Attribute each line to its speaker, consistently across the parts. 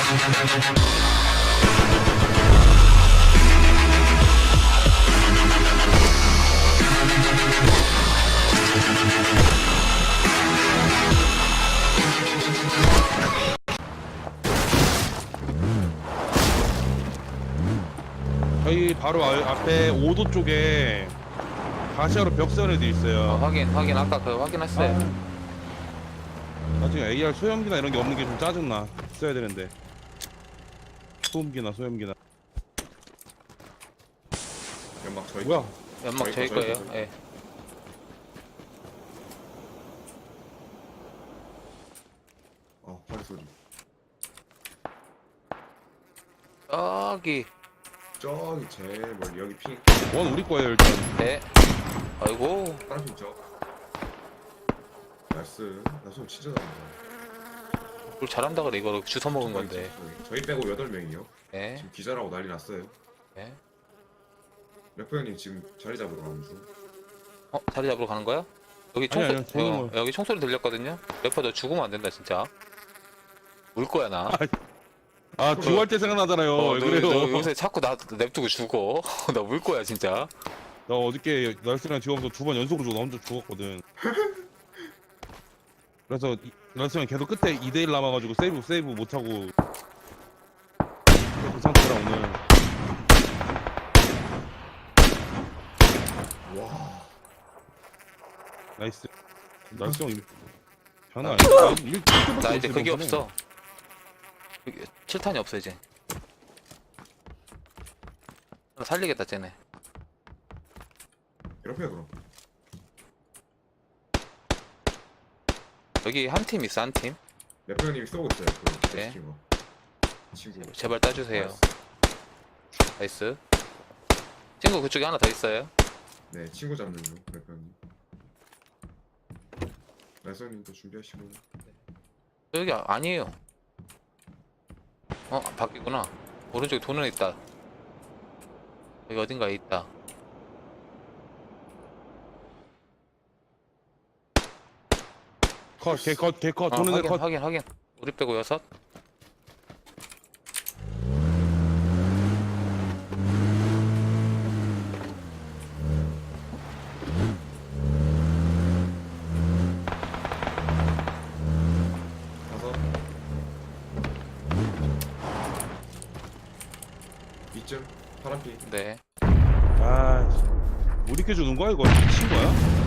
Speaker 1: 저희 바로 앞에 5도 쪽에 가시화로 벽 세운 애들 있어요.
Speaker 2: 확인 아까 그거 확인했어요.
Speaker 1: 나중에 AR 소염기나 이런 게 없는 게 좀 짜증나. 써야 되는데. 소음기나 소염기나.
Speaker 3: 연막 저희
Speaker 1: 뭐야?
Speaker 2: 연막 저희 거예요. 예.
Speaker 3: 발소리
Speaker 2: 저기
Speaker 3: 저기 제일 멀리 여기 핑
Speaker 1: 원 우리 거예요 일단.
Speaker 2: 네. 아이고
Speaker 3: 다른 핑 저. 나이스. 나 손 진짜 잘한다.
Speaker 2: 뭘 잘한다 그래. 이거 주워 먹은 건데.
Speaker 3: 저희 빼고 8명이요.
Speaker 2: 예.
Speaker 3: 지금 기절하고 난리 났어요.
Speaker 2: 예.
Speaker 3: 래퍼 형님 지금 자리 잡으러 가는 중.
Speaker 2: 자리 잡으러 가는 거야? 여기
Speaker 1: 아니,
Speaker 2: 총소리
Speaker 1: 저는 뭐-
Speaker 2: 여기 총소리 들렸거든요. 래퍼 너 죽으면 안 된다 진짜. 울 거야 나.
Speaker 1: 아 듀할 때 생각나잖아요. 왜
Speaker 2: 너
Speaker 1: 그래요?
Speaker 2: 요새 자꾸 나 냅두고 죽어. 나 울 거야 진짜.
Speaker 1: 나 어저께 날씨랑 듀하면서 2번 연속으로 나 혼자 죽었거든. 그래서 날씨랑 계속 끝에 2대1 남아가지고 세이브 못하고 그 상태라 오늘.
Speaker 3: 와.
Speaker 1: 나이스. 날씨 형 장난 아니야.
Speaker 2: 나 이제 그게 없어. 7탄이 없어 이제. 나 살리겠다 쟤네.
Speaker 3: 래퍼 형 그럼.
Speaker 2: 여기 한 팀 있어 한 팀.
Speaker 3: 래퍼 형님이 쏘고 있어요. 그
Speaker 2: 네.
Speaker 3: 친구. 친구.
Speaker 2: 제발 따주세요. 나이스. 친구 그쪽에 하나 더 있어요.
Speaker 3: 네, 친구 잡는 중 래퍼 형님. 나이스 형님도 준비하시고.
Speaker 2: 여기 아니에요. 바뀌구나. 오른쪽에 도는 애 있다. 여기 어딘가에 있다.
Speaker 1: 개컷 도는 애 컷.
Speaker 2: 확인. 우리 빼고 6.
Speaker 3: 가서 이쯤 파란빛.
Speaker 2: 네.
Speaker 1: 아, 못 익혀주는 거야 이거? 미친 거야?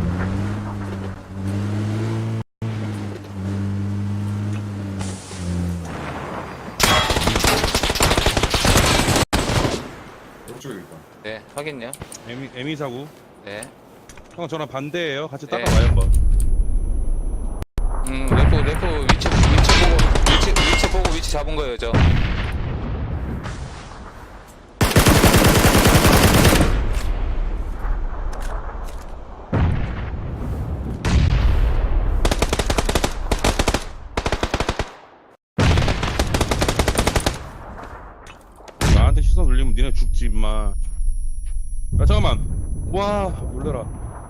Speaker 3: 오른쪽에 있다.
Speaker 2: 네. 확인요.
Speaker 1: 에미 사고.
Speaker 2: 네.
Speaker 1: 형 저랑 반대예요. 같이
Speaker 2: 네.
Speaker 1: 따라와요 한번.
Speaker 2: 래퍼 위치 보고 위치 잡은 거예요, 저.
Speaker 1: 나한테 시선 돌리면 니네 죽지 임마. 야 잠깐만. 와 놀래라.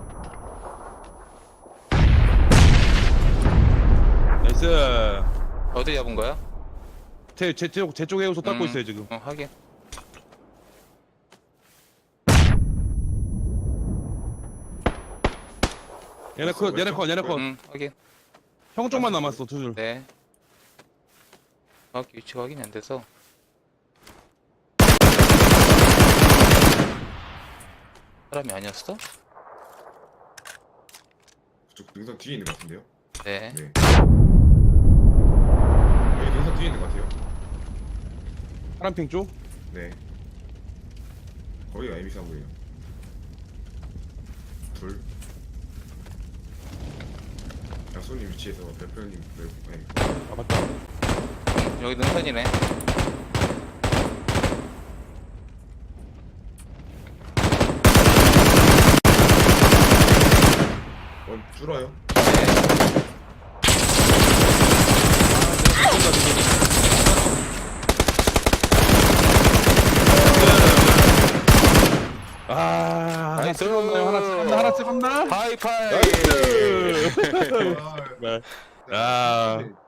Speaker 1: 나이스.
Speaker 2: 어디 잡은 거야?
Speaker 1: 제 쪽에 해우소 닦고 있어요 지금.
Speaker 2: 확인.
Speaker 1: 얘네 컷.
Speaker 2: 확인.
Speaker 1: 형 쪽만 남았어 두 줄.
Speaker 2: 네. 정확히 위치가 확인이 안 돼서. 사람이 아니었어?
Speaker 3: 그쪽 능선 뒤에 있는 것 같은데요?
Speaker 2: 네.
Speaker 3: 네. 여기 능선 뒤에 있는 것 같아요.
Speaker 1: 파란핑 쪽.
Speaker 3: 네. 거기가 에미사고예요. 둘. 약손님 위치에서 대표님 외국. 네.
Speaker 1: 아 맞다.
Speaker 2: 여기 능선이네.
Speaker 3: 줄어요.
Speaker 1: 하나 찍었나요? 하나 찍었나?
Speaker 2: 하이파이.
Speaker 1: 나이스.
Speaker 3: 아,
Speaker 1: 네. 야.